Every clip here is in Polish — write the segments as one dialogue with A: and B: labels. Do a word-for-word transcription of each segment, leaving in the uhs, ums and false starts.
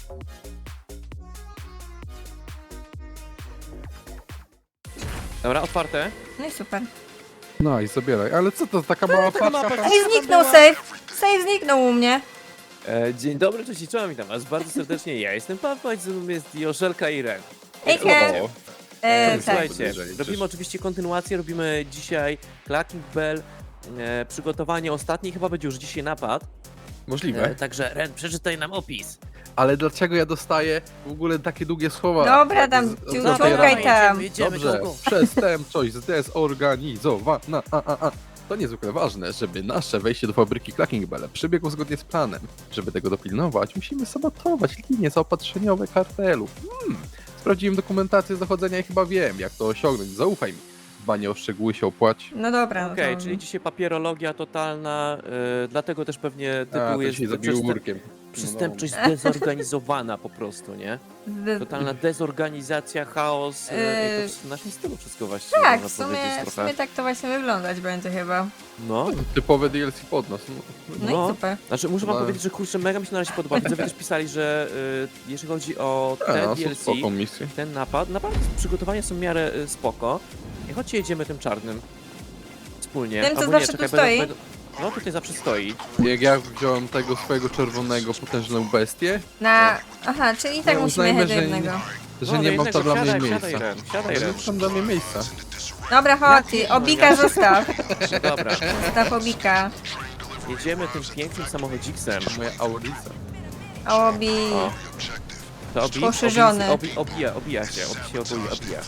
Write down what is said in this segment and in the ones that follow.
A: Dobra, otwarte.
B: No i super.
C: No i zabieraj. Ale co to, taka mała
A: taka
C: paczka?
A: mała
C: Pan-
B: Ej, zniknął save! Save zniknął u mnie.
A: E, dzień dobry, cześć i czołem, witam was bardzo serdecznie. Ja jestem Pawła, ze mną jest Joszelka i Ren.
B: Ejka!
C: O,
B: E, tak.
A: Słuchajcie,
C: Podejrzenie,
A: robimy
C: cześć.
A: oczywiście kontynuację, robimy dzisiaj Clacking Bell, e, przygotowanie ostatni, chyba będzie już dzisiaj napad.
C: możliwe.
A: E, także Ren, przeczytaj nam opis.
C: Ale dlaczego ja dostaję w ogóle takie długie słowa?
B: Dobra, tam,
C: Z-
B: ciu-
C: z-
B: ciągaj
C: z-
B: tam.
A: Jedziemy,
C: Dobrze,
A: go, go.
C: przestępczość zdezorganizowana. A, a, a. To niezwykle ważne, żeby nasze wejście do fabryki Clacking Bell przebiegło zgodnie z planem. Żeby tego dopilnować, musimy sabotować linie zaopatrzeniowe kartelu. Hmm. Sprawdziłem dokumentację z dochodzenia i chyba wiem, jak to osiągnąć. Zaufaj mi. Dbanie o szczegóły się opłaci.
B: No dobra, no
A: Okej,
B: to...
A: czyli dzisiaj papierologia totalna, e, dlatego też pewnie
C: A,
A: tytuł
C: to
A: jest
C: dzisiaj zabił
A: przestęp-
C: murkiem.
A: przestępczość zdezorganizowana po prostu, nie?
B: Zde-
A: Totalna dezorganizacja, chaos, e, i to w naszym stylu wszystko właściwie
B: Tak, w
A: można
B: sumie,
A: powiedzieć
B: w
A: trochę.
B: sumie tak to właśnie wyglądać będzie chyba.
A: No,
C: Typowe D L C pod nas. No.
B: No,
A: No.
B: i super.
A: znaczy muszę wam
C: No.
A: powiedzieć, że kurczę, mega mi się na razie podoba. Widzowie też pisali, że y, jeżeli chodzi o
C: A,
A: ten
C: no,
A: D L
C: są
A: C,
C: spoko misje.
A: ten napad, naprawdę przygotowania są w miarę y, spoko. I chodźcie jedziemy tym czarnym wspólnie.
B: Tym, co
A: Albo
B: zawsze tu
A: czekaj,
B: stoi?
A: Będą, będą... No tutaj zawsze stoi.
C: Jak ja wziąłem tego swojego czerwonego potężną bestię,
B: Na... Aha, czyli tak
C: No,
B: musimy
C: uznajmy,
B: jechać do
C: że
B: jednego.
C: że
A: No,
C: nie
A: do
C: mam tam
A: jednego,
C: dla mnie
A: siadaj,
C: miejsca.
A: Siadaj, Ren, siadaj,
C: Ale
A: Ren.
C: nie mam dla mnie miejsca.
B: Dobra, chodź, Obika zostaw.
A: Dobra,
B: Zostaw Obika.
A: jedziemy tym pięknym samochodziksem.
C: Moja Aurica.
B: Obi...
A: O. To obi,
B: Poszerzony.
A: Obi, obi, obija, obija się, obi się obija, obija.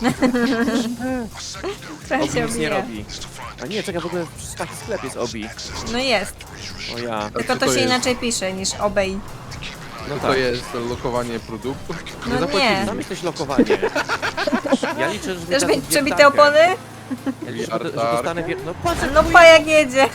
B: Trochę
A: Obi
B: się
A: nic nie
B: obija.
A: robi. A nie, czekaj, w ogóle w taki sklep jest obi.
B: No jest.
A: O ja.
B: Tylko
C: co
B: to
C: to
B: się
C: jest?
B: inaczej pisze niż obej.
A: No
C: To
A: tak.
C: jest lokowanie produktu.
B: No nie.
C: zapłaciliśmy.
A: Tam jesteś lokowanie. Ja liczę, że
B: Chcesz
A: wypadł
B: mieć przebite
A: wiertarkę.
B: opony?
A: Ja liczę, że, że dostanę wier... No patrz,
B: No pa jak jedzie.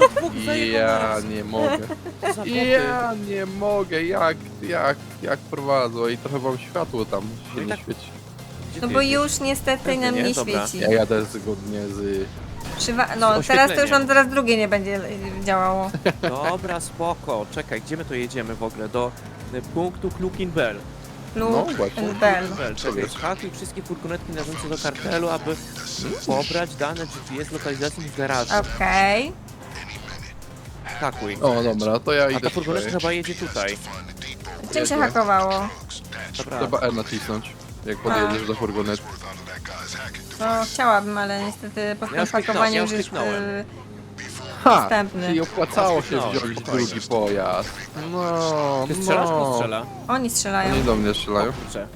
C: Ja nie mogę.
A: za
C: Ja nie mogę. Jak, jak, jak prowadzą i trochę wam światło tam
A: No
C: się
A: i
C: nie
A: tak-
C: świeci.
B: No bo już niestety nam
A: Nie?
B: nie
A: Dobra.
B: świeci.
C: Ja jadę zgodnie z...
B: Przywa no teraz to już
A: oświetleniem.
B: nam zaraz drugie nie będzie działało.
A: Dobra, spoko. Czekaj, gdzie my to jedziemy w ogóle? Do y, punktu Clucking Bell.
C: No
B: Lub
C: właśnie.
B: Bell.
A: Bell, czekaj,
C: jest?
A: zhakuj wszystkie furgonetki należące do kartelu, aby pobrać dane G P S lokalizacji w garażu.
B: Okej.
A: Hakuj.
C: O dobra, to ja
A: A
C: idę
A: ta furgonetka
C: tutaj.
A: chyba jedzie tutaj.
B: Czym się
C: Jedzie.
B: hakowało?
A: Dobra.
C: Trzeba R nacisnąć, jak podjedziesz do furgonetki.
B: No chciałabym, ale niestety po
A: Ja
B: tym
A: już kliknąłem,
B: hakowaniu
A: ja
B: już
A: już
B: jest
A: kliknąłem.
B: y,
C: Ha!
B: Następny.
C: Czyli opłacało się
A: Spokojnie,
C: wziąć
A: spokojnie.
C: drugi pojazd. No,
A: Ty strzelasz,
C: no.
A: kto strzela?
B: oni strzelają.
C: Oni do mnie strzelają.
A: O kurczę.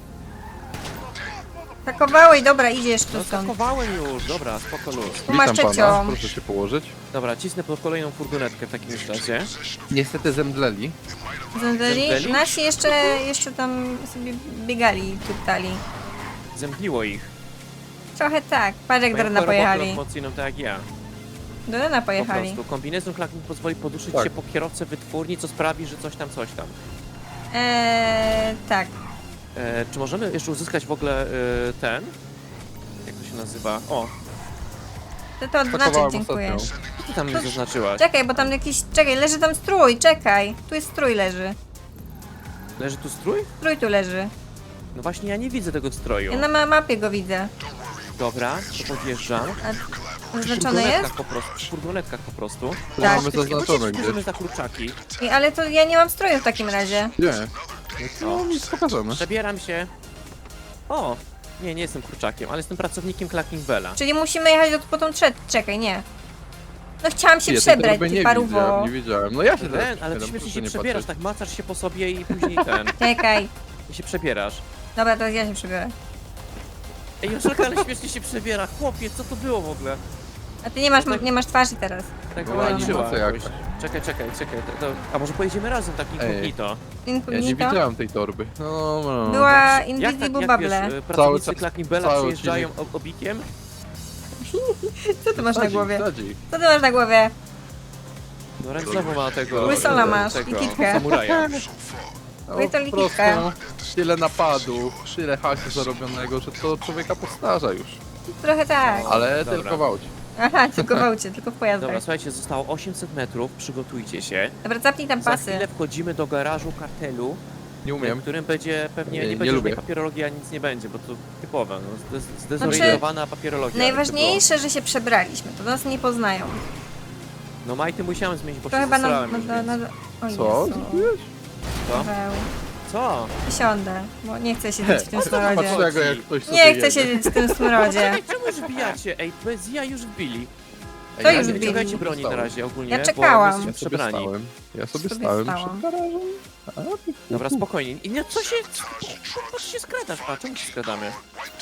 B: Hakowałeś, dobra, idziesz tu
A: No
B: stąd.
A: skakowałem już, dobra, spoko luz.
B: Tu masz
C: Witam pana,
B: trzecią.
C: proszę się położyć.
A: Dobra, cisnę po kolejną furgonetkę w takim razie.
C: Niestety zemdleli.
B: Zemdleli?
A: Zemdleli?
B: Nasi jeszcze, jeszcze tam sobie biegali, tuptali.
A: Zemdliło ich.
B: Trochę tak. Patrz jak do
A: Mają
B: Rena
A: chorobę
B: pojechali.
A: lokomocyjną, tak jak ja.
B: Do Rena
A: Po
B: pojechali.
A: prostu. Kombinezon Clacking pozwoli poduszyć
C: Tak.
A: się po kierowcę wytwórni, co sprawi, że coś tam, coś tam.
B: Eee, tak.
A: E, czy możemy jeszcze uzyskać w ogóle e, ten? Jak to się nazywa? O,
B: To to odznaczyć,
C: Pakowałem
B: dziękuję.
C: ostatnią.
A: co ty tam mi zaznaczyłaś?
B: Czekaj, bo tam jakiś... Czekaj, leży tam strój, czekaj. Tu jest strój leży.
A: Leży tu strój?
B: Strój tu leży.
A: No właśnie, ja nie widzę tego stroju.
B: Ja na ma mapie go widzę.
A: Dobra, to podjeżdżam.
B: A
A: Przy
B: oznaczony jest?
A: furgonetkach po prostu. Przy furgonetkach po prostu.
C: To
B: Tak.
C: mamy zaznaczone
A: Bierzemy
C: gdzieś.
A: za kurczaki.
B: I, ale to ja nie mam stroju w takim razie.
C: Nie. No, nic pokażemy.
A: Przebieram się. O! Nie, nie jestem kurczakiem, ale jestem pracownikiem Clacking Bella.
B: Czyli musimy jechać do, po tą trzecią. Czekaj, nie. No chciałam się
C: Ja tej
B: przebrać,
C: torby
B: ty
C: nie
B: paruwo.
C: widziałem, nie wiedziałem. No ja się teraz
A: Ren, ale ty
C: przebieram,
A: śmiesznie
C: proszę
A: się
C: nie
A: przebierasz,
C: patrzeć.
A: tak macasz się po sobie i później ten.
B: Czekaj.
A: I się przebierasz.
B: Dobra, teraz ja się przebiorę.
A: Ej, Joszelka, ale śmiesznie się przebiera. Chłopie, co to było w ogóle?
B: A ty nie masz,
A: No tak.
B: nie masz twarzy teraz.
A: Tak
C: Była
A: wyłączyła
C: animacja
A: jakoś.
C: jakaś.
A: Czekaj, czekaj, czekaj. To, to... A może pojedziemy razem tak incognito?
C: Ja nie
B: Incognito.
C: widziałem tej torby. No, no.
B: Była
A: Jak tak,
B: Invisible
A: jak wiesz,
B: Bubble.
A: y, pracownicy
C: Cały-
A: Clacking Bella
C: cały
A: przyjeżdżają ob- obikiem?
B: Co ty masz na
C: Sadzi,
B: głowie?
C: sadzi.
B: Co ty masz na głowie?
A: No Ren znowu ma tego...
B: Łysola
A: e,
B: masz
A: tego,
B: i kitkę.
A: samuraja.
C: No,
B: Oj, to
C: po prostu
B: likitka.
C: tyle napadów, tyle haku zarobionego, że to człowieka postarza już.
B: Trochę tak.
C: Ale
A: Dobra.
C: tylko w aucie.
B: Aha, tylko w aucie, tylko w pojazdach.
A: Dobra, słuchajcie, zostało osiemset metrów, przygotujcie się.
B: Dobra, zapnij tam
A: Za
B: pasy.
A: chwilę wchodzimy do garażu kartelu
C: Nie umiem.
A: w którym będzie pewnie
C: Nie,
A: nie,
C: nie
A: będzie
C: lubię.
A: żadnej papierologii, a nic nie będzie, bo to typowe, no, zde-
B: Znaczy,
A: zdezorientowana papierologia. jakby
B: Najważniejsze, że się przebraliśmy, to nas nie poznają.
A: było. No Majty musiałem zmienić, bo
B: To
A: się
B: chyba na...
A: zesrałem
B: na,
A: już,
B: na,
A: więc-
B: na o
C: Co?
B: Jezu.
C: Zrobiłeś?
A: Co?
B: Paweł.
A: Co?
B: Siądę, bo nie chcę siedzieć w tym
A: o co
B: smrodzie.
A: chodzi?
C: Patrz tego, jak ktoś sobie
B: Nie chcę
C: jedzie.
B: siedzieć w tym smrodzie.
A: Ej, czemu już wbijacie? Ej, bez ja już wbili.
C: Ej,
B: To
C: ja
B: już
C: nie
A: Nie
B: wbili.
A: wyciągajcie broni na
C: Stałem.
A: razie ogólnie,
B: Ja
A: bo
B: czekałam.
A: my
C: Ja
A: jesteśmy
C: sobie
A: przebrani.
C: stałem. Ja sobie
B: Sobie
C: stałem
B: stałam.
C: przed garażem. A, ty-
A: Dobra, spokojnie. I nie, co się... Co się skradasz, pa? Czemu się skradamy?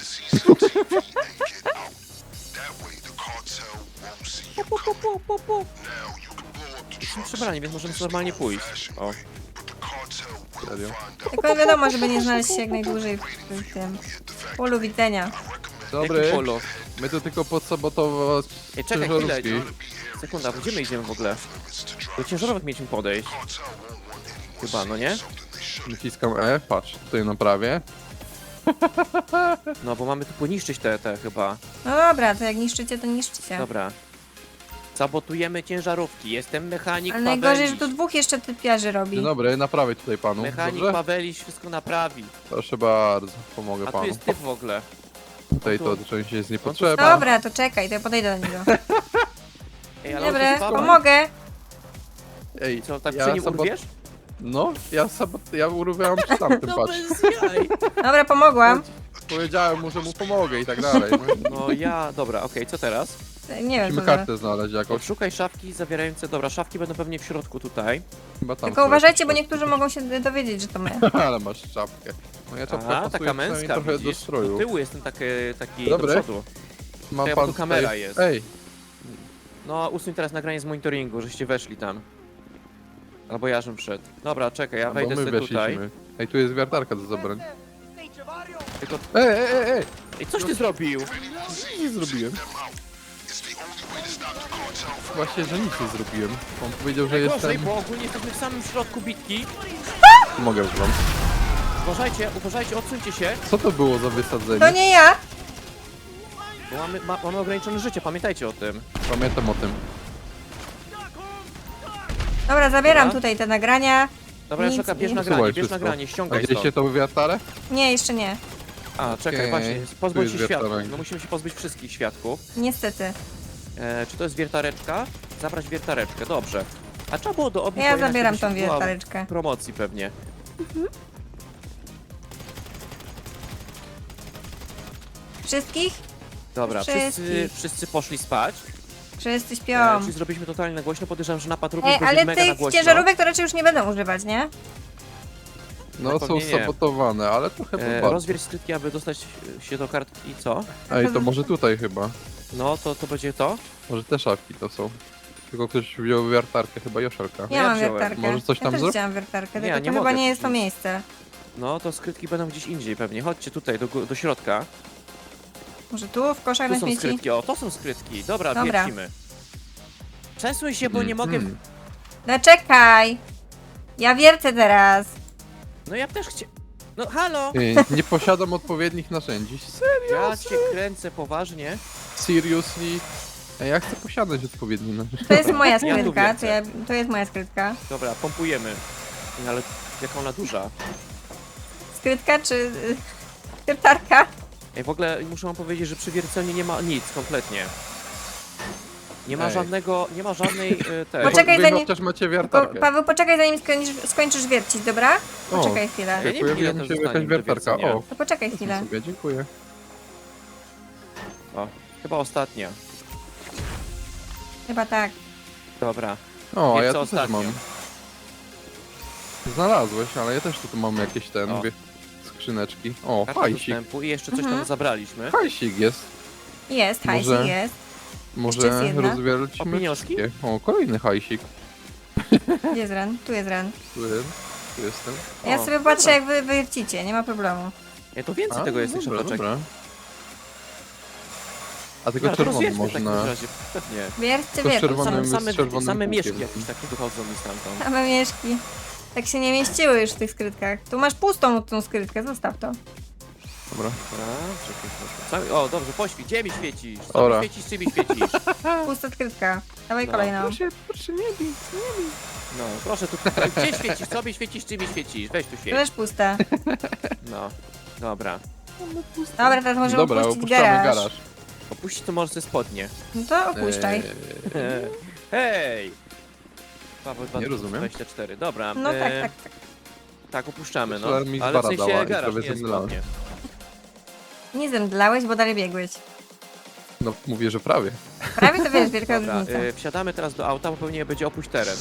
A: Po, po, po, po, po, po. Jesteśmy przebrani, więc możemy normalnie pójść. O.
C: Serio.
B: Tylko wiadomo, żeby nie znaleźć się jak najdłużej w tym polu widzenia.
C: Dobry,
A: Jaki polo?
C: my tu tylko podsabotować
A: Ej, czekaj chwilę.
C: ciężarówki.
A: Sekunda, gdzie my idziemy w ogóle? Do ciężarówek mieliśmy podejść. Chyba, no nie?
C: Naciskam E, patrz, tutaj naprawię.
A: No, bo mamy tu poniszczyć te, te chyba.
B: No dobra, to jak niszczycie, to niszczycie.
A: Dobra. Sabotujemy ciężarówki. Jestem mechanik
B: Ale najgorzej, że
A: Paweliś.
B: tu dwóch jeszcze typiarzy robi.
C: Dzień dobry, naprawię tutaj panu.
A: Mechanik
C: Dobrze?
A: Paweliś wszystko naprawi.
C: Proszę bardzo, pomogę
A: A tu
C: panu.
A: jest typ w ogóle.
C: Tutaj
A: tu-
C: to część jest
A: tu-
C: niepotrzebna.
B: Dobra, to czekaj, to ja podejdę do niego.
A: Ej, ale
B: Dobra,
A: on jest Paweł.
B: pomogę.
C: Ej,
A: Co, tak
C: ja
A: przy nim
C: sabot-
A: urwiesz?
C: No, ja sabot... ja urywałem przy tamtym,
A: No
C: patrz.
A: bez jaj.
B: Dobra, pomogłam.
C: Powiedziałem mu, że mu pomogę i tak dalej. No,
A: No ja, dobra, okej, co teraz?
B: Nie wiem,
C: musimy
B: co teraz.
C: kartę znaleźć jakoś.
A: Odszukaj szafki zawierające, dobra, szafki będą pewnie w środku tutaj.
C: Chyba tam
B: Tylko
C: są
B: uważajcie, bo
C: jakieś
B: niektórzy mogą się dowiedzieć, że to my.
C: szafki. Ale masz czapkę. Moja czapka
A: Aha,
C: pasuje
A: taka
C: przynajmniej
A: męska,
C: trochę do
A: widzisz? Do
C: stroju.
A: tyłu jestem taki, taki
C: Dobre.
A: do przodu.
C: Ma
A: Czekaj, bo tu kamera jest.
C: Ej,
A: No, usuń teraz nagranie z monitoringu, żeście weszli tam. Albo ja żem wszedł. Dobra, czekaj, ja
C: bo
A: wejdę
C: my
A: sobie
C: weszliśmy.
A: tutaj.
C: Ej, tu jest wiertarka do zabrań.
A: Tylko...
C: Ej, ej, ej, ej!
A: Ej, coś ty zrobił?
C: Nic nie zrobiłem. Właśnie, że nic nie zrobiłem. On powiedział, że
A: Gorzej,
C: jestem...
A: bo ogólnie jesteśmy w samym środku bitki.
C: Mogę już wam.
A: Uważajcie, uważajcie, odsuńcie się.
C: Co to było za wysadzenie?
B: To nie ja!
A: Bo mamy, ma, mamy ograniczone życie, pamiętajcie o tym.
C: Pamiętam o tym.
B: Dobra, zabieram
A: Dobra.
B: tutaj te nagrania.
A: Dobra,
B: Nic
A: Joszelka, bierz
B: nie-
A: nagranie,
C: Usuwaj
A: bierz
C: wszystko.
A: nagranie,
C: A
A: ściągaj
C: widzieliście
A: stąd.
C: to wiertarę?
B: Nie, jeszcze nie.
A: A, czekaj,
C: Okej,
A: właśnie,
C: tu
A: pozbądź
C: jest
A: się świadków.
C: wiertarek.
A: No musimy się pozbyć wszystkich świadków.
B: Niestety.
A: E, czy to jest wiertareczka? Zabrać wiertareczkę, dobrze. A trzeba było do obu,
B: Ja
A: bo inaczej
B: zabieram
A: byś
B: tą
A: była
B: wiertareczkę.
A: w promocji pewnie.
B: Wszystkich?
A: Dobra,
B: Wszystkich.
A: wszyscy, wszyscy poszli spać.
B: Wszyscy
A: E,
B: śpią.
A: czyli zrobiliśmy totalnie na głośno. Podejrzewam, że napad również
B: Ej,
A: będzie
B: ale
A: mega na
B: tych
A: głośno.
B: ciężarówek to raczej już nie będą używać, nie?
C: No
A: No
C: są
A: pewnie nie.
C: sabotowane, ale trochę
A: E,
C: bardzo.
A: rozwierć skrytki, aby dostać się do kartki. Co?
C: Ej, to może tutaj chyba.
A: No, to, to będzie to?
C: Może te szafki to są. Tylko ktoś wziął wiertarkę, chyba Joszelka.
B: Ja,
A: ja
B: mam
A: wziąłem.
B: wiertarkę.
C: Może coś
B: ja
C: tam
B: też
C: zrób?
B: wziąłam wiertarkę,
A: Nie,
B: tylko
A: nie
B: to chyba
A: mogę
B: nie jest to
A: nic.
B: miejsce.
A: No, to skrytki będą gdzieś indziej pewnie. Chodźcie tutaj, do, gó- do środka.
B: Może tu, w koszach
A: Tu
B: na
A: są
B: śmieci?
A: skrytki, o, to są skrytki. Dobra,
B: Dobra.
A: wiercimy. Przesuń się, bo nie mogę...
C: Mhm.
B: No czekaj! Ja wiercę teraz.
A: No ja też chcę... No, halo!
C: Ej, nie posiadam odpowiednich narzędzi. Serio?
A: Ja cię kręcę poważnie.
C: Seriously? Ej, ja chcę posiadać odpowiednie narzędzia.
B: To jest moja
A: tu
B: skrytka,
A: wiercę.
B: to, ja, to jest moja skrytka.
A: Dobra, pompujemy. No, ale jaka ona duża.
B: Skrytka czy... y, wiertarka?
A: Ej, w ogóle muszę wam powiedzieć, że przy wiercelni nie ma nic kompletnie. Nie ma
C: Ej.
A: żadnego, nie ma żadnej e, tej...
B: Poczekaj,
C: Wy
B: zanim-
C: chociaż macie
B: Po,
C: wiertarkę.
B: Paweł, poczekaj zanim skończysz, skończysz wiercić, dobra?
C: O.
B: Poczekaj chwilę.
A: Ja nie wiem,
C: Pojawiła
A: ile
C: mi
A: to
C: się
A: zostanie
C: jakaś
A: do
C: wiertarka.
A: wiercenia.
C: O,
B: To poczekaj chwilę.
C: sobie, dziękuję.
A: O, chyba ostatnia.
B: Chyba tak.
A: Dobra.
C: O, a
A: Wie
C: ja
A: co
C: tu też
A: ostatnio?
C: mam. Znalazłeś, ale ja też tu mam jakieś ten,
A: O.
C: wie, skrzyneczki. O,
A: Karta
C: hajsik.
A: dostępu i jeszcze coś
B: Mhm.
A: tam zabraliśmy.
C: Hajsik jest.
B: Jest, hajsik
C: Może-
B: jest.
C: Może
B: jest jedna.
C: rozwiercimy
A: O, pieniążki?
C: wszystkie. O, kolejny hajsik.
B: Gdzie jest ran? Tu jest ran.
C: Tu, tu jestem.
B: Ja
A: O,
B: sobie patrzę jak wy wiercicie, nie ma problemu.
A: Ja to więcej
C: A,
A: tego jest
C: dobra,
A: jeszcze, poczekaj.
C: dobra. A tylko
A: No, to
C: czerwony
A: rozwieźmy w takim
C: można.
A: razie, pewnie.
B: Wierćcie,
C: To
B: wierćcie.
C: czerwony-
A: Same,
C: z
A: same,
C: czerwonym
A: same
C: kółkiem.
A: mieszki jakieś takie wychodzą mi stamtąd.
B: Same mieszki. Tak się nie mieściły już w tych skrytkach. Tu masz pustą tą skrytkę, zostaw to.
C: Dobra.
A: Dobra, czekaj, czekaj. Co- O, dobrze, poświeć. Gdzie mi świecisz? Co
C: Ora.
A: mi świecisz, czy mi świecisz?
B: Pusta skrytka. Dawaj
A: No.
B: kolejną.
C: Proszę, proszę, nie bij, nie bij.
A: No, proszę tu. Gdzie świecisz? Co mi świecisz, czy mi świecisz? Weź tu
B: To
A: świeć.
B: też puste.
A: No, dobra.
B: Dobra, teraz możemy
C: Dobra,
B: opuścić
C: opuszczamy
B: garaż.
C: garaż.
A: Opuścić to może ze spodnie.
B: No to opuszczaj.
C: Eee,
A: Hej! Paweł
C: Nie rozumiem.
A: dwadzieścia cztery, dobra.
B: No tak,
A: e,
B: tak, tak.
A: Tak, opuszczamy, no.
C: Myślałem, mi
A: Ale w
C: zwara dała
A: sensie
C: i
A: garaż,
C: prawie
A: nie
C: zemdlałem.
A: spodnie.
B: Nie zemdlałeś, bo dalej biegłeś.
C: No, mówię, że prawie.
B: Prawie to wiesz, wielka
A: Dobra,
B: różnica.
A: e, wsiadamy teraz do auta, bo pewnie będzie opuść teren.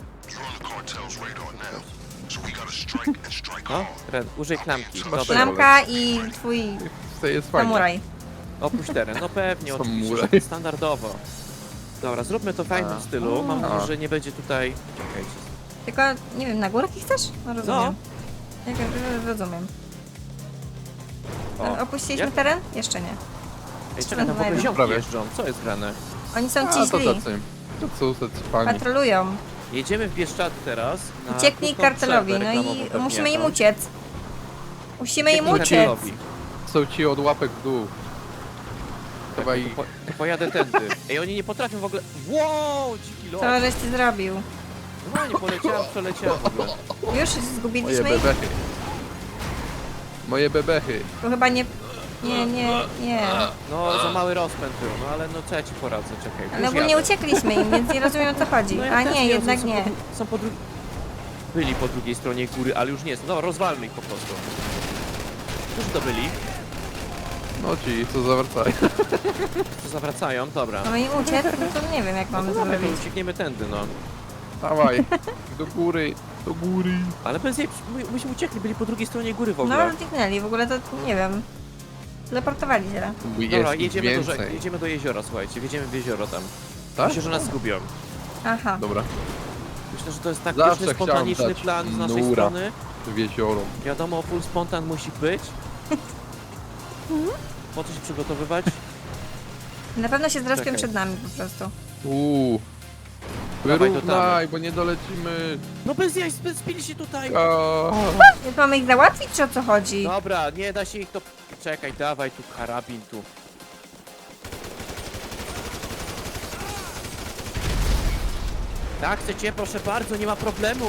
A: No, Red, użyj klamki.
C: Trzeba
A: Dobra,
C: szybko.
B: Klamka i twój
C: To jest fajne.
B: samuraj.
A: opuść teren. No pewnie, oczywiście,
C: Samuraj.
A: standardowo. Dobra, zróbmy to w fajnym
C: A.
A: stylu. Mam
C: A.
A: nadzieję, że nie będzie tutaj... Czekajcie.
B: Tylko, nie wiem, na górki chcesz? No rozumiem. Jak, rozumiem.
A: O,
B: Opuściliśmy
A: jak?
B: teren? Jeszcze nie.
A: Ej, czekaj, tam w ogóle ziomki
C: Prawie.
A: jeżdżą. Co jest grane?
B: Oni są
C: A,
B: ci
C: to
B: źli.
C: tacy. To są tacy fani.
B: Patrolują.
A: Jedziemy w Bieszczady teraz. na
B: Ucieknij
A: krótką
B: kartelowi,
A: przerwę
B: no
A: reklamową
B: i
A: pewnie
B: musimy im
A: jakąś.
B: uciec. Musimy im
A: Ucieknij
B: uciec.
A: kartelowi.
C: Są ci od łapek w dół. Chyba
A: Tak,
C: i...
A: to, po, to pojadę tędy. Ej, oni nie potrafią w ogóle... Wow, dziki lot.
B: Co żeś ty zrobił?
A: Normalnie poleciałem, przeleciałem w ogóle.
B: Już
C: Moje
B: zgubiliśmy ich?
C: bebechy. Moje bebechy.
B: To chyba nie... Nie, nie, nie.
A: No, za mały rozpęd był, no ale no co ja ci poradzę, czekaj.
B: Ale
A: już
B: ogólnie
A: jadę.
B: uciekliśmy im, więc nie rozumiem o co chodzi.
A: No ja
B: A
A: też
B: nie,
A: wiem,
B: jednak
A: są
B: nie.
A: Po, dru- są po drugiej... Byli po drugiej stronie góry, ale już nie są. No, rozwalmy ich po prostu. Którzy to byli?
C: No ci, co zawracają.
A: Co zawracają? Dobra.
B: Mamy im uciec? No to nie wiem jak
A: No
B: mamy
A: to
B: to
A: dawaj, to
B: zrobić.
A: uciekniemy tędy, no.
C: Dawaj. Do góry. Do góry.
A: Ale bez jej, my- myśmy uciekli, byli po drugiej stronie góry w
B: No
A: ogóle.
B: zniknęli, w ogóle to nie wiem. Teleportowali się.
C: Jest
A: Dobra,
C: ich
A: jedziemy do,
C: więcej.
A: rzek, jedziemy do jeziora, słuchajcie, wjedziemy w jezioro tam.
C: Tak?
A: Myślę, że nas zgubią.
B: Aha.
C: Dobra.
A: Myślę, że to jest tak
C: Zawsze
A: pyszny,
C: chciałem
A: spontaniczny
C: dać
A: plan z naszej
C: nura.
A: strony.
C: W jezioro.
A: Wiadomo, full spontan musi być. Po co się przygotowywać?
B: Na pewno się zrespią
A: Czekaj.
B: przed nami po prostu.
C: Uuu.
A: Dawaj, to
C: Wyrównaj, bo nie dolecimy.
A: No bez jaj, sp- spili się tutaj!
C: A,
B: Więc mamy ich załatwić, czy o co chodzi?
A: Dobra, nie da się ich to... Czekaj, dawaj tu karabin tu. Tak, chcecie? Proszę bardzo, nie ma problemu.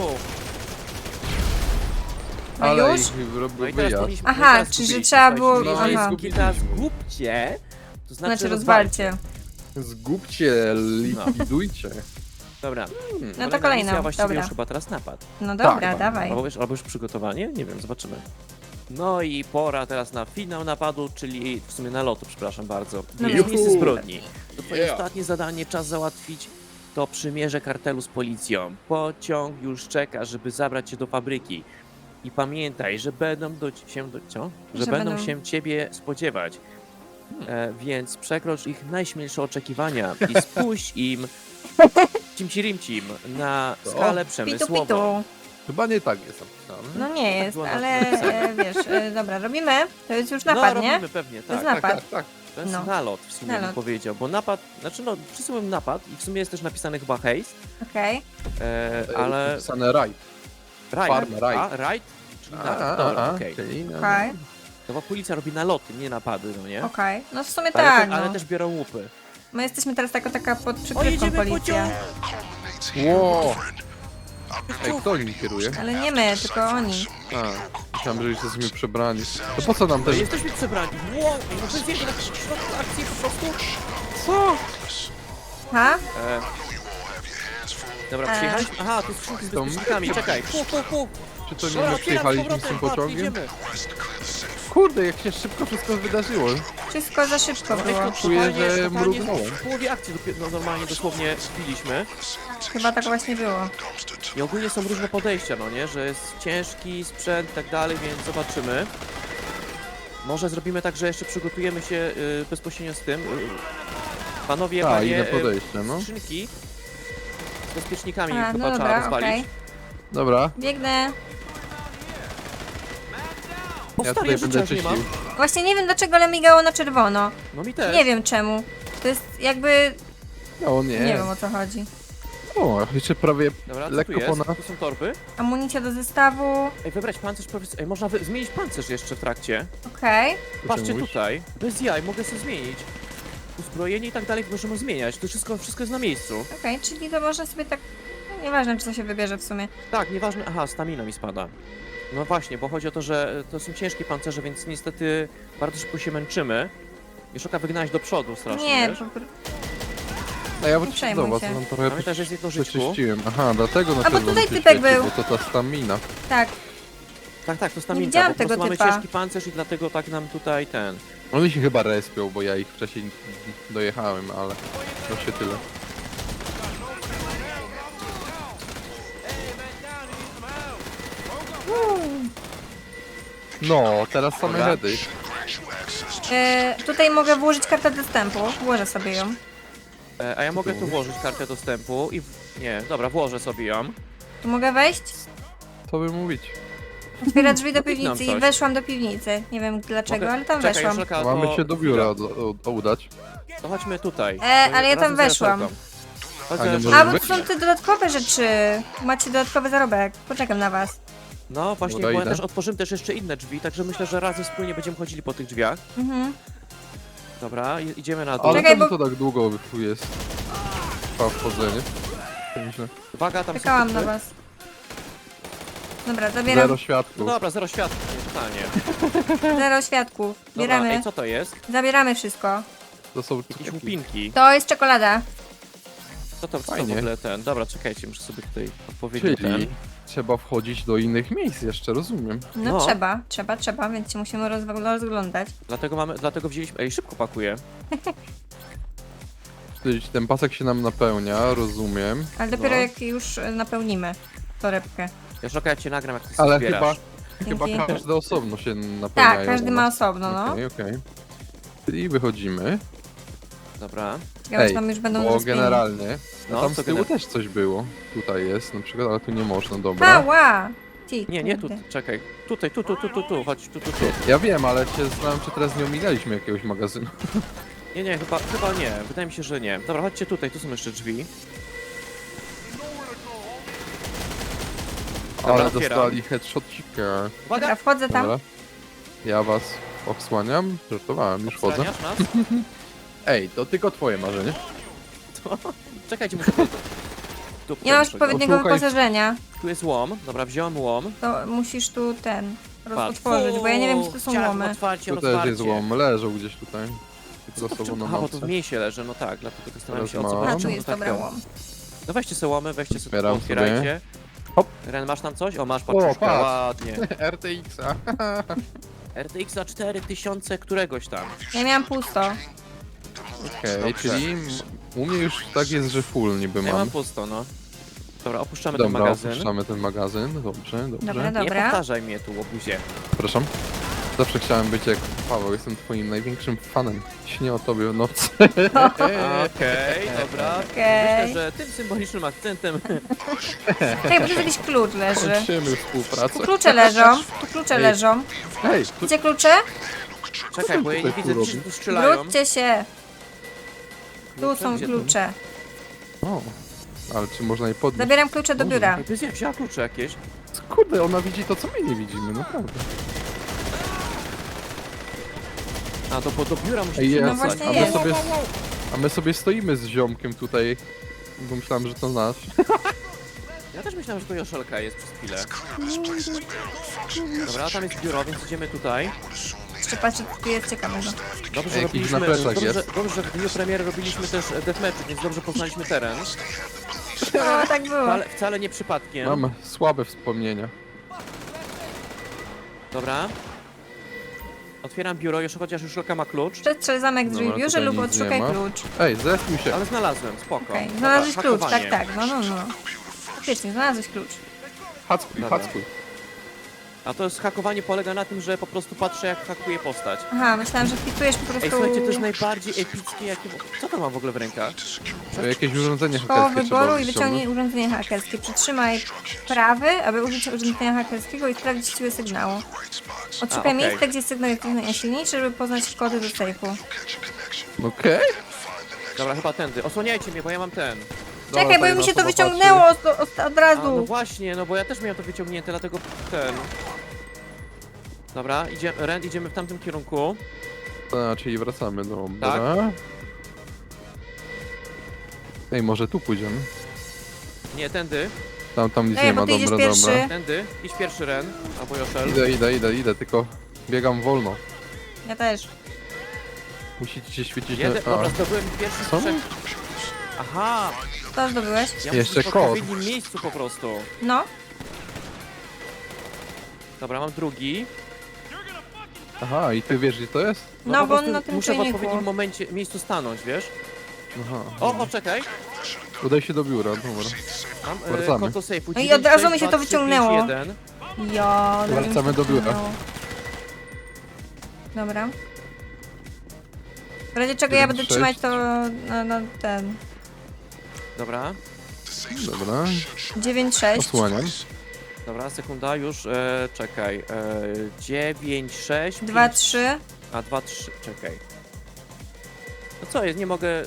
B: No
C: ale
B: już?
C: ich
A: No
C: robił
A: i teraz
C: wyjazd.
A: powinniśmy...
B: Aha,
A: no i teraz
B: czy że
A: zgubiliście,
B: trzeba było-
A: słuchajcie. Jeżeli
B: aha.
A: zgubi- teraz zgubcie, to znaczy,
B: Znaczy
A: rozwalcie.
B: rozwalcie.
C: Zgubcie, likwidujcie.
A: Dobra.
C: Hmm.
B: No to
A: Kolejna
B: kolejną,
A: misja, właściwie
B: dobra.
A: już chyba teraz napad.
B: No dobra,
C: Tak,
B: dawaj.
A: Albo, wiesz, albo już przygotowanie? Nie wiem, zobaczymy. No i pora teraz na finał napadu, czyli w sumie nalotu, przepraszam bardzo.
B: No
A: Jest
C: juhu.
A: miejsce zbrodni. To twoje
C: Yeah.
A: ostatnie zadanie, czas załatwić to przymierze kartelu z policją. Pociąg już czeka, żeby zabrać cię do fabryki. I pamiętaj, że będą do, się do, co? Że,
B: Że
A: będą
B: będą-
A: się ciebie spodziewać. E, więc przekrocz ich najśmielsze oczekiwania i spuść im cimci-rimcim na
C: Co?
A: skalę
B: Pitu
A: przemysłową.
B: pitu.
C: Chyba nie tak jest napisane.
B: No nie jest,
A: było
B: ale
A: napisane.
B: e, wiesz, e, dobra, robimy. To jest już napad,
A: no,
B: nie?
A: robimy pewnie,
B: To jest
A: tak.
B: napad.
C: Tak, tak.
A: To jest
B: No.
A: nalot w sumie bym
B: Nalot.
A: powiedział, bo napad, znaczy no, wszyscy mówią napad i w sumie jest też napisany chyba haste,
B: Okej.
A: e,
C: Ale...
A: ale
C: Napisane raj.
A: right,
C: farm, right.
A: a, right, czyli
C: A,
A: nalot,
C: a,
A: dobra,
C: a,
A: okej.
C: czyli no.
B: Okej,
A: To bo policja robi naloty, nie napady, no nie?
B: okej. No w sumie
A: Ale,
B: tak,
A: te, ale
B: no.
A: też biorą łupy.
B: My jesteśmy teraz jako taka pod
A: O,
B: przykrywką
A: jedziemy
B: policja.
A: pociąg!
C: Ło! Ej, kto nim kieruje?
B: Ale nie my, tylko oni.
C: A, myślałem, że już jesteśmy przebrani. To po co nam
A: No,
C: też...
A: jesteśmy przebrani, wow, no bez jego na środku akcji po prostu.
C: Co?
B: Ha?
A: E, dobra,
B: E.
A: przyjechaliśmy, aha, tu skrzynki z
C: To my
A: bezpiecznikami,
C: się-
A: czekaj, pu, pu, pu.
C: Czy to nie
A: Dobra,
C: my
A: otwieram z
C: przyjechaliśmy z
A: powrotem,
C: tym
A: patrz,
C: pociągiem?
A: jedziemy.
C: Kurde, jak się szybko wszystko wydarzyło.
B: Wszystko za szybko było.
C: Czuję,
A: Totalnie-
C: że
A: totalnie
C: mrugnąłem.
A: W połowie akcji dopiero, no, normalnie dosłownie wbiliśmy.
B: Chyba tak właśnie było.
A: I ogólnie są różne podejścia, no nie? Że jest ciężki sprzęt i tak dalej, więc zobaczymy. Może zrobimy tak, że jeszcze przygotujemy się y, bezpośrednio z tym. Y, panowie,
C: A,
A: panie,
C: inne
A: y,
C: podejście, no.
A: skrzynki z bezpiecznikami
B: A,
A: chyba
B: no
A: trzeba
B: dobra,
A: rozwalić.
B: okej.
C: Dobra,
B: Biegnę.
A: O,
C: ja
A: stary,
C: tutaj
A: ja
C: będę
A: życia już nie mam.
C: czyścił.
B: Właśnie nie wiem dlaczego, ale migało na czerwono.
A: No mi też.
B: Nie wiem czemu. To jest jakby...
C: No nie.
B: Nie wiem o co chodzi.
C: O, jeszcze prawie
A: Dobra, co tu
C: lekko
A: jest?
C: ponad...
A: Tu są torby.
B: Amunicja do zestawu.
A: Ej, wybrać pancerz, powiedz... Ej, można wy... zmienić pancerz jeszcze w trakcie.
B: Okej.
A: Patrzcie
C: mówisz?
A: tutaj. Bez jaj, mogę sobie zmienić. Uzbrojenie i tak dalej możemy zmieniać. To wszystko, wszystko jest na miejscu.
B: Okej, czyli to można sobie tak... No, nieważne, czy to się wybierze w sumie.
A: Tak, nieważne. Aha, stamina mi spada. No właśnie, bo chodzi o to, że to są ciężkie pancerze, więc niestety bardzo szybko się męczymy. Joszoka wygnałeś do przodu strasznie,
B: Nie,
A: wiesz?
B: po prostu...
C: A ja
B: Nie
C: wróciłem
B: przejmuj
C: do was,
B: się.
C: mam trochę
A: Pamiętaj, że jest jedno żyćku.
C: przeczyściłem. Aha, dlatego na
B: A, bo
C: czerwono
B: tutaj
C: się
B: typek
C: świeci,
B: był.
C: Bo to ta stamina.
B: Tak.
A: Tak, tak, to stamina.
B: widziałam
A: Po prostu
B: tego
A: mamy
B: typa.
A: ciężki pancerz i dlatego tak nam tutaj ten...
C: Oni się chyba respią, bo ja ich wcześniej dojechałem, ale to się tyle. No, teraz same
A: Dobra.
C: heady.
B: E, tutaj mogę włożyć kartę dostępu. Włożę sobie ją.
A: E, a ja mogę tu
C: mówisz?
A: włożyć kartę dostępu i... W... Nie, dobra, włożę sobie ją.
B: Tu mogę wejść?
C: Co by mówić?
B: Otwiera drzwi do
A: No, kliknąłem
B: piwnicy i
A: coś.
B: weszłam do piwnicy. Nie wiem dlaczego,
A: Mogę-
B: ale tam
A: Czekaj,
B: weszłam.
A: Joszelka,
C: Mamy
A: to-
C: się do biura od, od, udać.
A: To chodźmy tutaj.
B: E, ale ja tam
A: Razem z
B: weszłam.
A: Joszelką. Chodź
C: A nie
A: z
C: możesz
B: A,
A: Joszelką.
B: bo to są te dodatkowe rzeczy. Macie dodatkowy zarobek. Poczekam na was.
A: No właśnie,
C: Dobra,
A: bo ja
C: idę.
A: też otworzymy też jeszcze inne drzwi, także myślę, że razem wspólnie będziemy chodzili po tych drzwiach.
B: Mhm.
A: Dobra, i- idziemy na dół.
C: Ale
B: Czekaj,
C: to,
B: bo-
C: to tak długo tu jest. Trwa wchodzenie. Nieźle.
A: Uwaga, tam są
B: Czekałam
A: typy.
B: na was. Dobra, zabieram.
C: Zero światło.
A: No dobra, zero światła, totalnie.
B: Zero świadków.
A: Dobra,
B: Bieramy.
A: ej, co to jest?
B: Zabieramy wszystko.
C: To są
A: Jakieś
C: cukierki.
A: łupinki.
B: To jest czekolada.
A: Co to, co to w
C: Fajnie.
A: ogóle ten? Dobra, czekajcie, muszę sobie tutaj odpowiednio ten.
C: Czyli trzeba wchodzić do innych miejsc jeszcze, rozumiem.
B: No,
A: No.
B: trzeba, trzeba, trzeba, więc się musimy rozwa- rozglądać.
A: Dlatego mamy, dlatego wzięliśmy... Ej, szybko pakuję.
C: Czyli ten pasek się nam napełnia, rozumiem.
B: Ale dopiero
A: No.
B: jak już e, napełnimy torebkę.
A: Joszelka, ja cię nagram, jak ty
C: Ale
A: zbierasz.
C: chyba, chyba
B: Dzięki.
C: każdy osobno się napełnia.
B: Tak, każdy ma osobno, no.
C: Okej, okej. Czyli wychodzimy.
A: Dobra.
B: Ciekawe,
C: Ej,
B: czy tam już będą
C: Bo
B: rozpięci.
C: generalnie, no,
A: No,
C: tam
A: co
C: z tyłu
A: gener-
C: też coś było. Tutaj jest na przykład, ale tu nie można, dobra.
B: Ała! Ty,
A: Nie, nie, tu,
B: kurde.
A: czekaj. Tutaj, tu, tu, tu, tu, tu, chodź, tu, tu, tu.
C: Ja wiem, ale się zastanawiam, czy teraz nie ominęliśmy jakiegoś magazynu.
A: Nie, nie, chyba, chyba nie. Wydaje mi się, że nie. Dobra, chodźcie tutaj, tu są jeszcze drzwi. Dobra,
C: Ale
A: otwieram.
C: dostali headshotcika.
B: Dobra,
A: Uwaga!
B: wchodzę tam.
C: Dobra. Ja was osłaniam. Żartowałem, już chodzę.
A: Obsraniasz nas?
C: Ej, to tylko twoje marzenie.
A: Czekajcie, muszę... Tu, tu,
B: Nie masz
A: muszę-
B: odpowiedniego
C: Odszukaj-
B: wyposażenia.
A: Tu jest łom. Dobra, wziąłem łom.
B: To musisz tu ten
A: Patrz.
B: otworzyć, bo ja nie wiem, czy to są
A: Chciałem
B: łomy.
A: Otwarcie,
C: Tu też
A: otwarcie.
C: jest łom, leżą gdzieś tutaj. Za sobą na
A: Aha, bo to w
C: mapce.
A: mieście leży, no tak, dlatego zastanawiam się o co
C: Teraz
A: chodzi.
C: mam.
B: A, tu
A: czemu
B: jest
A: tak
B: dobra
A: ten-
B: łom.
A: No weźcie sobie łomy, weźcie sobie,
C: Otwieram
A: otwierajcie.
C: Hop.
A: Ren, masz tam coś? O, masz paczuszkę,
C: patrz.
A: ładnie.
C: R T X-a.
A: R T X za cztery tysiące któregoś tam.
B: Ja miałam pusto.
C: Okej,
A: Dobrze.
C: czyli u mnie już tak jest, że full niby
A: Ja mam
C: mam.
A: pusto, no. Dobra, opuszczamy ten
C: Dobra,
A: magazyn.
C: opuszczamy ten magazyn. Dobrze, dobrze.
B: Dobra,
A: Nie
B: dobra.
A: powtarzaj mnie tu, łobuzie.
C: Przepraszam. Zawsze chciałem być jak Paweł, jestem twoim największym fanem. Śnię o tobie w nocy.
A: Okej, dobra.
B: Okej.
A: Myślę, że tym symbolicznym akcentem...
B: Czekaj, bo tu jakiś klucz leży.
C: Kończymy współpracę.
B: Tu klucze leżą. Tu klucze
C: Ej.
B: leżą.
C: Hej, tu...
B: Gdzie klucze?
A: Czekaj, bo ja nie
C: tutaj
A: widzę,
C: tu
A: gdzie
C: robi?
A: tu strzelają.
B: Wróćcie się. Tu są
A: Gdzie
B: klucze.
C: O, ale czy można je podnieść?
B: Zabieram klucze do biura.
A: Ej, Ty wzięła klucze jakieś.
C: Kurde, ona widzi to, co my nie widzimy, naprawdę.
A: A, to bo do biura
C: Ej,
A: musisz
C: jest.
B: No właśnie
C: a, my
B: jest.
C: sobie, a my sobie stoimy z ziomkiem tutaj, bo myślałem, że to nasz.
A: Ja też myślałem, że to Joszelka jest przez chwilę. Dobra, tam jest biuro, więc idziemy tutaj.
B: Jeszcze patrzę, co tu jest ciekawego.
A: Dobrze, że
C: Jakiś
A: robiliśmy,
C: na plecach
A: dobrze,
C: jest.
A: że, dobrze, że w dniu premiery robiliśmy też deathmatch, więc dobrze poznaliśmy teren.
B: O, tak było.
A: Wcale, wcale nie przypadkiem.
C: Mam słabe wspomnienia.
A: Dobra. Otwieram biuro, jeszcze chociaż Joszelka ma klucz.
B: Przestrzel zamek drzwi w
C: Dobra,
B: biurze
C: tutaj
B: lub
C: nic
B: odszukaj
C: nie ma.
B: klucz.
C: Ej, zespił się.
A: Ale znalazłem, spoko.
B: Okej,
A: Dobra,
B: znalazłeś klucz, tak,
A: hakowanie.
B: tak, no, no, no. Faktycznie, znalazłeś klucz.
C: Hackuj,
A: Dobra.
C: hackuj.
A: A to jest hakowanie polega na tym, że po prostu patrzę jak hakuje postać.
B: Aha, myślałam, że wpisujesz po prostu
A: Ej, słuchajcie, to jest najbardziej epickie jakie... Co to mam w ogóle w rękach?
C: To jakieś urządzenie
B: koło
C: hakerskie trzeba
B: wyboru i
C: wyciągnąć.
B: wyciągnij urządzenie hakerskie. Przytrzymaj prawy, aby użyć urządzenia hakerskiego i sprawdzić siłę sygnału. Odszukaj
A: A, okej.
B: miejsce, gdzie sygnał jest najsilniejszy, żeby poznać kody do sejfu.
C: Okej.
A: Dobra, chyba tędy. Osłaniajcie mnie, bo ja mam ten.
B: Czekaj, bo
C: tutaj
B: mi
C: na
B: się to
C: osoba
B: wyciągnęło od, od, od
A: A, no
B: razu.
A: właśnie, no bo ja też miałem to wyciągnięte, dlatego ten... Dobra, idzie, Ren, idziemy w tamtym kierunku.
C: patrzy. A, czyli wracamy, dobra.
A: Tak.
C: Ej, może tu pójdziemy?
A: Nie, tędy,
C: Tam, tam nic
B: Ej,
C: nie
B: bo
C: ma,
B: ty idziesz
C: dobra,
B: pierwszy.
C: dobra.
A: tędy. Idź pierwszy, Ren, albo Joszel.
C: Idę, idę, idę, idę, tylko biegam wolno.
B: Ja też.
C: Musicie się świecić
A: Jeden,
C: na...
A: dobra,
C: A,
A: zdobyłem pierwszy
C: Co?
A: trzech. Aha,
B: Co zdobyłeś?
A: ja
C: Jeszcze
A: muszę w
C: kod.
A: odpowiednim miejscu po prostu.
B: No.
A: Dobra, mam drugi.
C: aha, i ty wiesz, gdzie to jest?
B: No,
A: po
B: bo on
A: prostu
B: na tym
A: muszę w
B: czujniku.
A: odpowiednim momencie, miejscu stanąć, wiesz?
C: Aha.
A: O, poczekaj.
C: Udaj się do biura, dobra.
A: Mam e,
C: Wracamy.
A: kod do sejfu.
B: No i od razu mi się to
A: dziewięć, sześć, dwa, trzy,
B: wyciągnęło.
A: pięć, jeden.
B: Ja,
C: Wracamy do biura.
B: Dobra. W razie czego ja będę
C: dziewięć,
B: trzymać
C: sześć.
B: to na, na ten.
A: Dobra,
C: Dobra,
B: dziewięć sześć.
C: osłaniam.
A: dobra, sekunda, już, e, czekaj. E, dziewięć, sześć,
B: dwa
A: pięć,
B: trzy.
A: a dwa, trzy, czekaj. No co jest, nie mogę...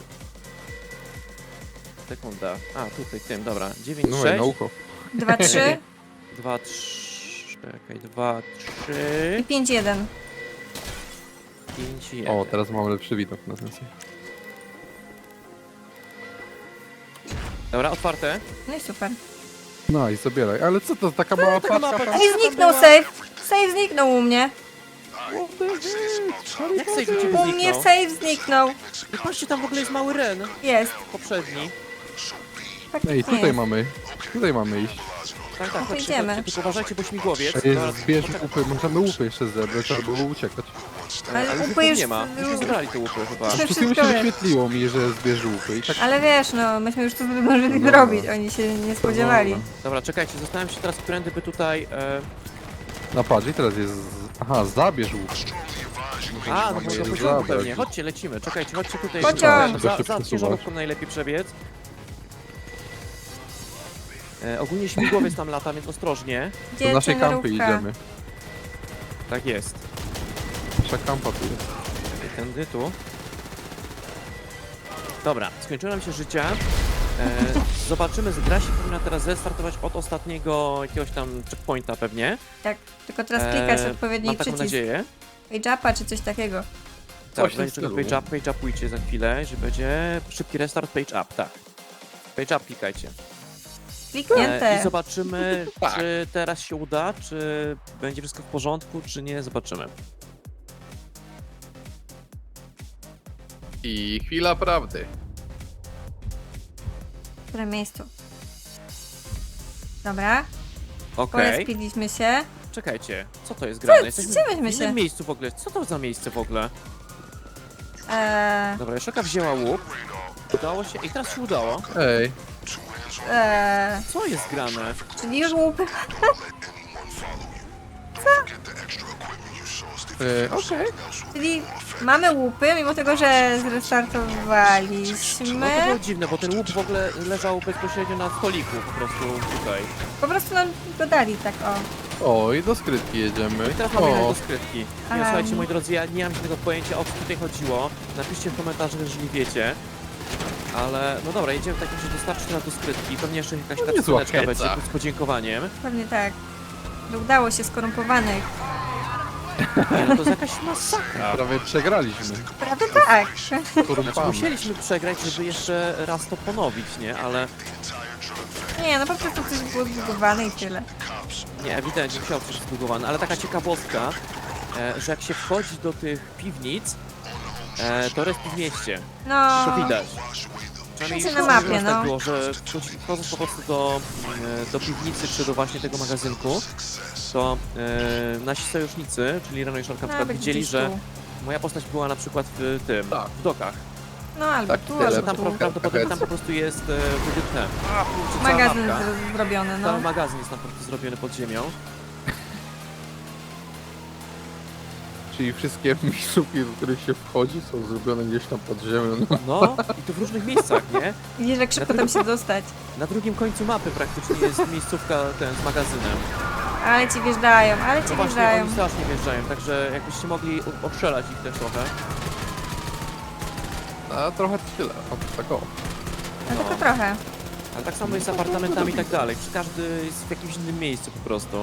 A: Sekunda. A, tutaj, tym, dobra. dziewięć,
C: No i
A: sześć,
C: na ucho.
B: dwa trzy
A: dwa, trzy, czekaj, dwa, trzy,
B: i pięć jeden.
A: pięć, jeden.
C: O, teraz mamy lepszy widok na ten sejf.
A: Dobra, otwarte.
B: No i super.
C: No i zabieraj, ale co to, taka mała
A: taka mała
C: paczka?
A: paczka.
B: Ej, zniknął save. Save zniknął u mnie.
A: Jak sejf u ciebie
B: U mnie
A: zniknął?
B: save zniknął.
A: I patrzcie, tam w ogóle jest mały Ren.
B: Jest.
A: Poprzedni.
B: Faktycznie
C: Ej, tutaj
B: jest.
C: mamy, tutaj mamy iść.
A: Tak, tak, chodźcie,
B: idziemy.
A: chodźcie, tylko uważajcie, bo śmigłowiec.
C: Ej,
A: Dobra,
C: zbierz
A: poczekaj.
C: łupy, możemy łupy jeszcze zebrać, trzeba było uciekać.
B: Ale
A: Ale
B: łupy
A: łupy
B: już-
A: nie ma. Myśmy zebrali te łupy chyba.
B: To
C: Po prostu mi
B: wszystko
C: się
B: jest.
C: wyświetliło mi, że zbierz łupy i tak...
B: Ale wiesz, no, myśmy już to zdążyli
C: Dobra.
B: zrobić. Oni się nie spodziewali.
C: Dobra.
A: Dobra, czekajcie, zastanawiam się teraz, którędy by tutaj... E...
C: Na patrz i teraz jest... Aha, zabierz łuk.
A: A, no
C: Mamy
A: bo
C: je
A: do pociągu
C: zabrać.
A: pewnie. Chodźcie, lecimy. Czekajcie, chodźcie tutaj.
B: Pociąg.
A: Za,
C: Szybko
A: za
C: przesuwać.
A: ciężarówką najlepiej przebiec. E, ogólnie śmigłowiec tam lata, więc ostrożnie.
B: Gdzie
C: Do naszej kampy
B: ciężarówka?
C: idziemy.
A: Tak jest.
C: Nasza kampa tu jest.
A: Czekaj, tędy, tu. Dobra, skończyło nam się życia. E, zobaczymy, gra się powinna teraz zestartować od ostatniego jakiegoś tam checkpointa pewnie.
B: Tak, tylko teraz klikać
A: E,
B: odpowiedni
A: Mam taką
B: przycisk.
A: nadzieję.
B: Page upa czy coś takiego.
A: Tak,
C: Coś w tym
A: będzie czego
C: stylu.
A: page up, page upujcie za chwilę, że będzie szybki restart, page up, tak. Page up klikajcie.
B: Kliknięte.
A: E, I zobaczymy,
C: Tak.
A: czy teraz się uda, czy będzie wszystko w porządku, czy nie, zobaczymy.
C: I chwila prawdy.
B: W którym miejscu? Dobra,
A: Okej,
B: porespiliśmy się.
A: czekajcie, co to jest grane?
B: Co-
A: Jesteśmy
B: gdzie myśmy
A: w innym
B: się?
A: miejscu w ogóle, co to za miejsce w ogóle?
B: Eee,
A: Dobra, Joszelka wzięła łuk, udało się, i teraz się udało.
C: Ej,
B: eee,
A: Co jest grane?
B: czyli już łupy.
C: e, okej.
B: Czyli mamy łupy, mimo tego, że
A: No to
B: zrestartowaliśmy.
A: było dziwne, bo ten łuk w ogóle leżał bezpośrednio na stoliku, po prostu tutaj.
B: Po prostu nam go dali tak o.
C: O, i do skrytki jedziemy.
A: No i teraz mamy jechać
C: O,
A: do skrytki. Nie,
B: Aha.
A: słuchajcie, moi drodzy, ja nie mam żadnego pojęcia, o co tutaj chodziło. Napiszcie w komentarzach, jeżeli wiecie. Ale, no dobra, jedziemy w takim razie dostarczyć nas do skrytki. Pewnie jeszcze jakaś
C: No
A: ta
C: niezła
A: skrzyneczka
C: heca.
A: będzie z podziękowaniem.
B: Pewnie tak. Że udało się skorumpowanych.
A: Nie, no to jest jakaś masakra.
C: prawie przegraliśmy.
B: Prawie tak.
A: Znaczy,
C: Korumpamy.
A: musieliśmy przegrać, żeby jeszcze raz to ponowić, nie? Ale
B: Nie, no po prostu coś było zbudowane i tyle.
A: nie, ewidentnie musiało być zbudowane. Ale taka ciekawostka, e, że jak się wchodzi do tych piwnic, e, to respi w mieście.
B: No.
A: To widać. Przynajmniej
B: Znaczy na
A: u nas
B: mapie,
A: tak
B: no.
A: było, że wchodzi- wchodząc po prostu do, e, do piwnicy czy do właśnie tego magazynku, to e, nasi sojusznicy, czyli Reno i Szarka, na przykład
B: Nawet
A: widzieli,
B: gdzieś
A: że
B: tu.
A: moja postać była na przykład w tym,
C: Tak.
A: w dokach.
B: No albo
C: Tak,
B: tu,
C: tyle.
A: Że
B: albo
A: tam
B: tu.
A: pra- prawdopodobnie tam po prostu jest e, wybytne. A, kurczę, cała
B: Magazyn
A: mapka.
B: z- zrobiony, no.
A: Cały magazyn jest tam po prostu zrobiony pod ziemią.
C: Czyli wszystkie miejscówki, do których się wchodzi, są zrobione gdzieś tam pod ziemią. No,
A: No, i to w różnych miejscach, nie?
B: Widzisz, jak szybko tam się dostać.
A: Na drugim końcu mapy praktycznie jest miejscówka ten z magazynem.
B: Ale ci wjeżdżają, ale ci
A: No właśnie,
B: wjeżdżają.
A: oni strasznie wjeżdżają, także jakbyście mogli u- ostrzelać ich też trochę.
C: a trochę tyle. O, tak o.
B: No tylko trochę.
A: Ale tak samo jest z apartamentami i tak dalej. Przy każdy jest w jakimś innym miejscu po prostu.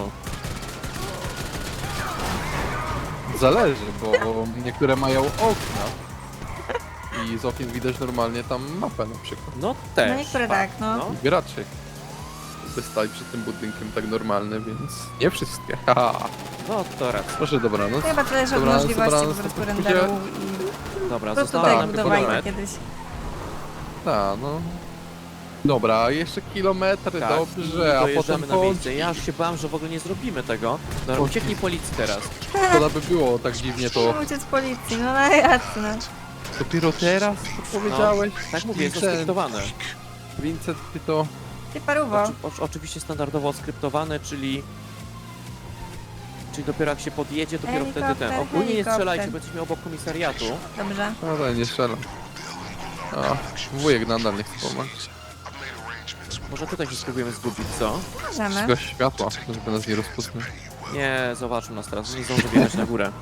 C: Zależy, bo niektóre mają okna. I z okien widać normalnie tam mapę na przykład.
A: No też.
B: No niektóre tak, no.
C: Gracze by stali przed tym budynkiem tak normalne, więc nie wszystkie. Haha.
A: No to raz.
C: Proszę, dobranoc.
B: Chyba zależy od
C: Dobranoc,
B: możliwości po
C: dobranoc,
B: prostu
C: to
B: renderu i
A: Dobra,
B: po prostu
A: zostało
B: tak
A: nam tylko
B: budowali
A: kilometr.
B: kiedyś.
C: Tak, no. Dobra, jeszcze kilometry,
A: Tak,
C: dobrze,
A: i
C: a
A: dojeżdżamy
C: potem
A: na miejsce.
C: kończy.
A: Ja już się bałem, że w ogóle nie zrobimy tego. Dobra,
C: Chodź.
A: ucieknij policji teraz.
C: Szkoda by było tak dziwnie to.
B: Uciec z policji, no na jasne.
C: Dopiero teraz to powiedziałeś?
A: Tak mówię, jest to
C: Vincent,
A: skryptowane.
C: Vincent, ty to...
B: Ty paruwo.
A: Oczy, oczy, oczywiście standardowo skryptowane, czyli... Czyli dopiero jak się podjedzie, dopiero wtedy ten.
B: Helikopter,
A: Ogólnie nie
B: helikopter.
A: strzelajcie, bo jesteśmy obok komisariatu.
B: Dobrze.
C: No to nie strzelam. A, wujek nadal nie chce pomagać.
A: Może tutaj się spróbujemy zgubić, co?
B: Możemy.
C: Zgaś światła, żeby nas nie rozpoznał.
A: Nie, zobaczą nas teraz, nie zdążę wjechać na górę.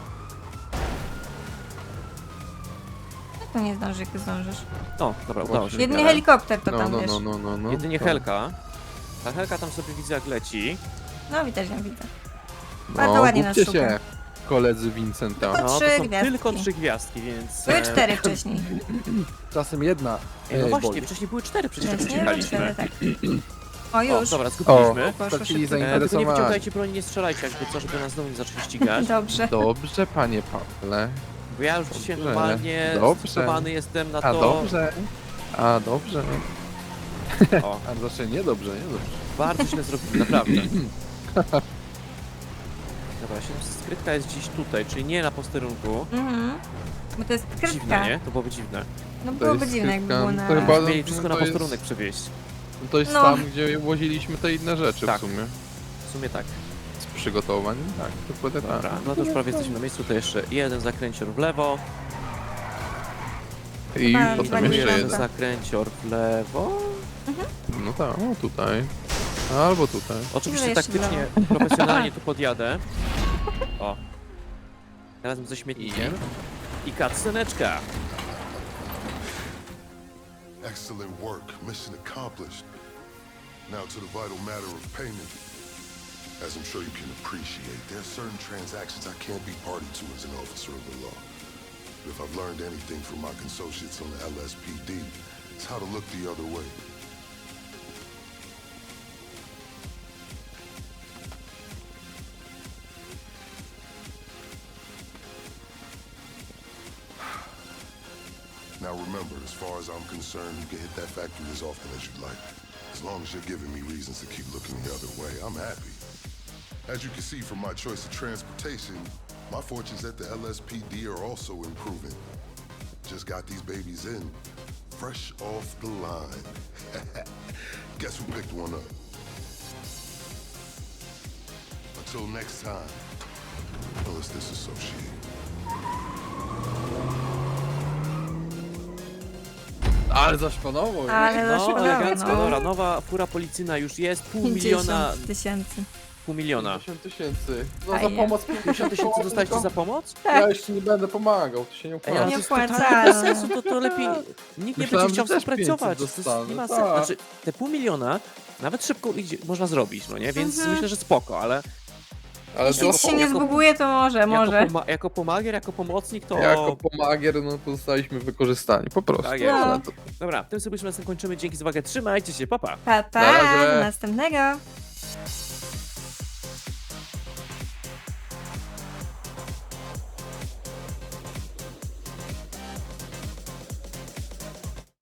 B: Jak to nie zdążysz, jak ty zdążysz?
A: O, dobra, udało się.
B: Jedynie
A: Ale
B: helikopter to
C: No,
B: tam,
C: no,
B: wiesz.
C: no, no, no, no.
A: Jedynie
C: To-
A: Helka. Ta Helka tam sobie widzę jak leci.
B: No widać ją, widzę. Bardzo
C: No,
B: ładnie nas
C: głupcie
B: szuka.
C: się, koledzy Vincenta.
B: Tylko
A: No, to
B: trzy
A: są
B: gwiazdki.
A: tylko trzy gwiazdki, więc...
B: Były
A: e,
B: cztery wcześniej.
C: Czasem jedna.
A: Ej, no
C: e,
A: właśnie,
C: boli.
A: wcześniej były cztery, przecież jak
B: Wcześniej były cztery,
A: uciekaliśmy.
B: tak. O,
A: O,
B: już.
A: dobra,
C: O,
A: zgubiliśmy.
B: Poszło
C: stracili
B: szybko.
A: E, tylko nie
C: zainteresowanie.
A: wyciągajcie broni, nie strzelajcie, jakby co, żeby nas znowu nie zaczęli ścigać.
B: Dobrze.
C: Dobrze, panie Pawle.
A: Bo ja już dzisiaj
C: Dobrze,
A: normalnie
C: dobrze.
A: stosowany jestem na
C: A
A: to...
C: dobrze. A dobrze.
A: O,
C: A znaczy nie dobrze, nie dobrze.
A: bardzo źle zrobili, naprawdę. Dobra, się skrytka jest gdzieś tutaj, czyli nie na posterunku.
B: Mhm. Bo to jest
A: Dziwne,
B: skrytka.
A: nie? To byłoby dziwne.
B: No
C: To
B: byłoby
C: jest
B: dziwne, jakby
C: skrytka.
B: było na...
C: To chyba-
A: Mieli wszystko
C: to
A: na
C: jest-
A: posterunek przewieźć.
C: To jest
B: No.
C: tam, gdzie woziliśmy te inne rzeczy
A: Tak.
C: w sumie.
A: W sumie tak.
C: Z przygotowań. Tak, dokładnie
A: Dobra,
C: tak.
A: no to już prawie jesteśmy na miejscu, to jeszcze jeden zakręcior w lewo,
C: I
B: Chyba
C: potem
B: pani
C: jeszcze
B: Miranda.
C: jeden.
A: zakręcior w lewo.
C: No tak, o tutaj. Albo tutaj.
A: Oczywiście
B: jeszcze w
A: taktycznie, profesjonalnie tu podjadę. O. Razem ze śmietnikiem. I cutsceneczka.
D: Excellent work. Mission accomplished. Now to the vital matter of payment. As I'm sure you can appreciate, there are certain transactions I can't be party to as an officer of the law. But if I've learned anything from my associates on the L S P D, it's how to look the other way. Now remember, as far as I'm concerned, you can hit that factory as often as you'd like. As long as you're giving me reasons to keep looking the other way, I'm happy. As you can see from my choice of transportation, my fortunes at the L S P D are also improving. Just got these babies in, fresh off the line. Guess who picked one up? Until next time, well, let's disassociate.
C: Ale zaszpanowo.
B: Ale
A: No,
B: zaszło,
A: elegancko,
B: no.
A: dobra, nowa fura policyjna już jest, pół miliona,
B: pięćdziesiąt tysięcy.
A: pół miliona.
C: pięćdziesiąt tysięcy. No za
B: Fajnie.
C: pomoc
A: pięćdziesiąt tysięcy dostaliście za pomoc?
C: Ja jeszcze nie będę pomagał, to się nie
A: Ej,
C: opłaca.
A: ale
B: Nie
A: to jest
B: opłacalne.
A: totalnie bez sensu, to, to lepiej, nikt nie
C: Myślałem,
A: będzie chciał
C: że też
A: współpracować, to
C: pięćset
A: jest, nie ma
C: dostanę,
A: sensu,
C: tak.
A: znaczy te pół miliona nawet szybko idzie, można zrobić, no nie, więc
B: Mhm.
A: myślę, że spoko, ale
C: Ale
B: Jeśli
C: to
B: ci się nie
A: jako-
B: zbuguje, to może, może.
A: jako, poma jako pomagier, jako pomocnik to...
C: jako pomagier, no to zostaliśmy wykorzystani, po prostu.
A: Tak jest.
C: Ale to...
A: Dobra, tym sobie już na tym kończymy, dzięki za uwagę, trzymajcie się, papa!
B: Pa, pa,
C: Na razie.
B: do następnego.